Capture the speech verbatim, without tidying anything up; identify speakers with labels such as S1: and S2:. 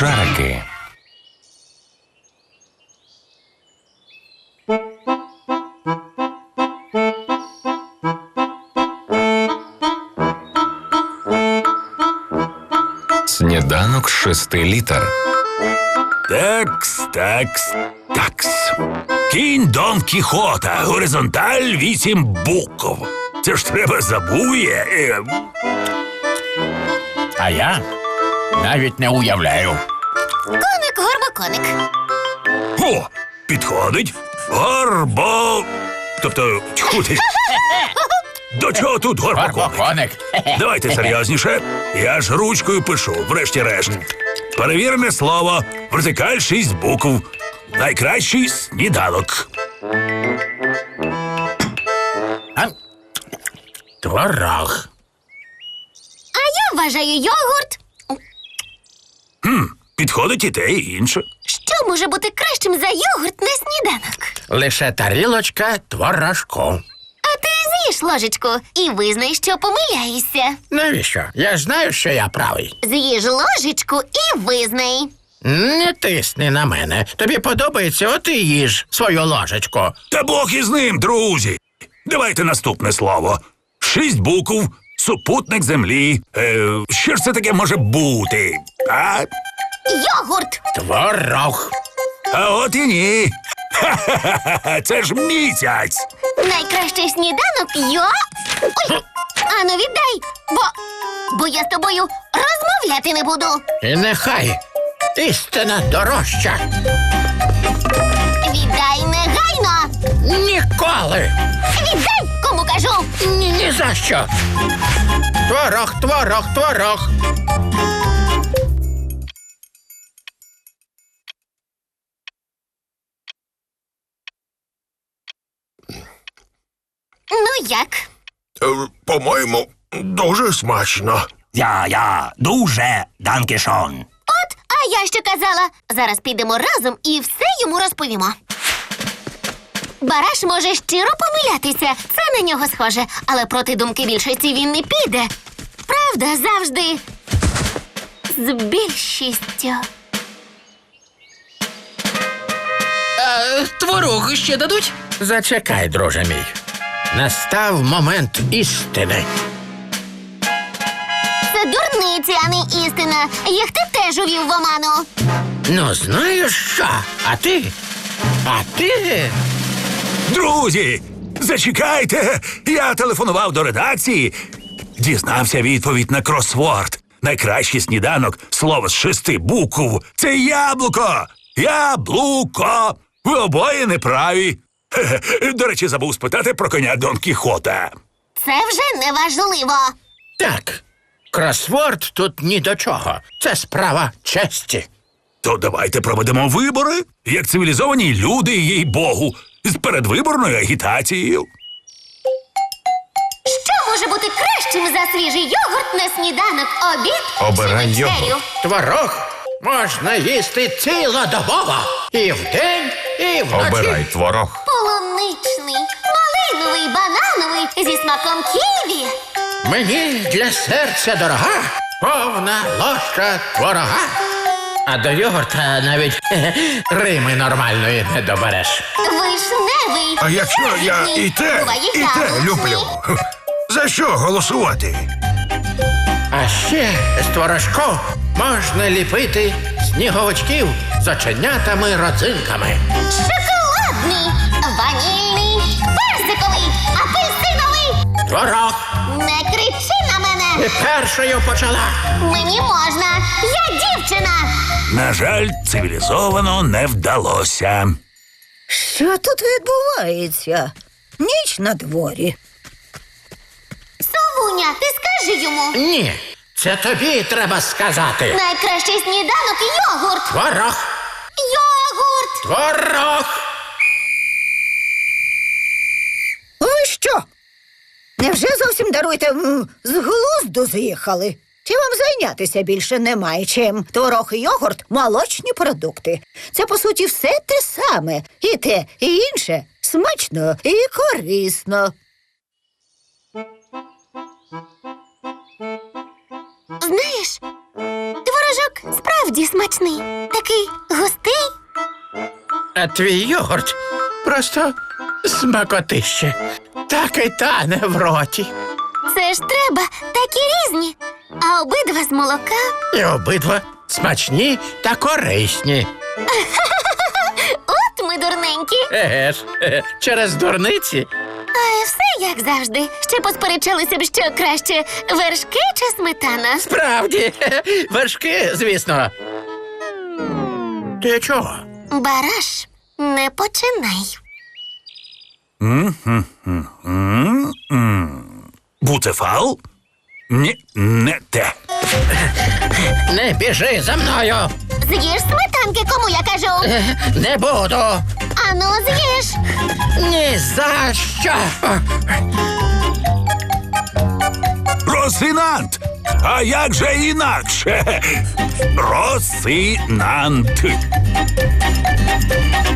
S1: Шарики. Сніданок з шести літер.
S2: Такс, такс, такс. Кінь Дон Кіхота, горизонталь вісім букв. Це ж треба забує. Е,
S3: А я навіть не уявляю.
S4: Коник, горбоконик.
S2: О, підходить. Горбо... Тобто, тьху ти. До чого тут горбоконик?
S3: Горбоконик.
S2: Давайте серйозніше. Я ж ручкою пишу, врешті-решт. Перевірене слово. Вертикаль шість букв. Найкращий сніданок.
S3: А? Творог.
S4: А я вважаю йогурт.
S2: Хм, підходить і те, і інше.
S4: Що може бути кращим за йогурт на сніданок?
S3: Лише тарілочка творожку.
S4: А ти з'їж ложечку і визнай, що помиляєшся.
S3: Навіщо? Я ж знаю, що я правий.
S4: З'їж ложечку і визнай.
S3: Не тисни на мене. Тобі подобається, от і їж свою ложечку.
S2: Та Бог із ним, друзі. Давайте наступне слово. Шість букв, супутник землі. Е, що ж це таке може бути? А?
S4: Йогурт.
S3: Творог.
S2: А от і ні. Ха-ха-ха, це ж місяць.
S4: Найкращий сніданок йо... Ой, ану віддай, бо... Бо я з тобою розмовляти не буду.
S3: І нехай істина дорожча.
S4: Віддай негайно.
S3: Ніколи.
S4: Віддай, кому кажу.
S3: Ні, ні за що. Творог, творог, творог.
S4: Ну як?
S5: Е, По-моєму, дуже смачно.
S2: Я, я, дуже, данкішон.
S4: От, а я що казала. Зараз підемо разом і все йому розповімо. Бараш може щиро помилятися, це на нього схоже, але проти думки більшості він не піде. Правда завжди з більшістю.
S6: А творог ще дадуть?
S3: Зачекай, друже мій. Настав момент істини.
S4: Це дурниці, а не істина. Їх ти теж увів в оману.
S3: Ну, знаєш що? А ти? А ти?
S2: Друзі, зачекайте. Я телефонував до редакції. Дізнався відповідь на кросворд. Найкращий сніданок, слово з шести букв. Це яблуко. Яблуко. Ви обоє неправі. Хе-хе. До речі, забув спитати про коня Дон Кіхота.
S4: Це вже не важливо.
S3: Так. Кросворд тут ні до чого. Це справа честі.
S2: То давайте проведемо вибори, як цивілізовані люди, їй Богу, з передвиборною агітацією.
S4: Що може бути кращим за свіжий йогурт на сніданок, обід
S1: Обирай
S4: чи вечерю?
S1: йогурт.
S3: Творог можна їсти цілодобово. І вдень, і вночі.
S1: Обирай творог.
S4: Полуничний, малиновий, банановий, зі смаком ківі.
S3: Мені для серця дорога повна ложка творога. А до йогурта навіть хе-хе, рими нормальної не добереш.
S4: Вишневий.
S5: А якщо я і те,
S4: Буває
S5: і те
S4: яблучний.
S5: люблю, за що голосувати?
S3: А ще з творожку можна ліпити сніговичків з оченятами родзинками.
S4: Шоколадний, ванільний, персиковий, апельсиновий.
S3: Творог.
S4: Не кричи на мене.
S3: Ти першою почала.
S4: Мені можна. Я дівчина.
S2: На жаль, цивілізовано не вдалося.
S7: Що тут відбувається? Ніч на дворі.
S4: Совуня, ти скажи йому.
S3: Ні, це тобі треба сказати.
S4: Найкращий сніданок йогурт.
S3: Творог.
S4: Йогурт.
S3: Творог.
S7: Ви що? Невже зовсім даруйте м, з глузду з'їхали? Чи вам зайнятися більше немає чим? Творог і йогурт – молочні продукти. Це, по суті, все те саме. І те, і інше смачно і корисно.
S4: Знаєш, творожок справді справді смачний. Такий густий.
S3: А твій йогурт просто смакотище. Так і тане в роті.
S4: Це ж треба, такі різні. А обидва з молока.
S3: І обидва смачні та корисні.
S4: От ми дурненькі.
S3: Еге ж, е, через дурниці.
S4: А все як завжди. Ще посперечалися б, що краще вершки чи сметана.
S3: Справді, вершки, звісно. Ти чого?
S4: Бараш, не починай.
S2: Буцефал? Ні, не те.
S3: Не біжи за мною.
S4: З'їж сметанки, кому я кажу.
S3: Е, Не буду.
S4: Ану, з'їж.
S3: Ні за що.
S2: Росинант! А як же інакше? Росинант.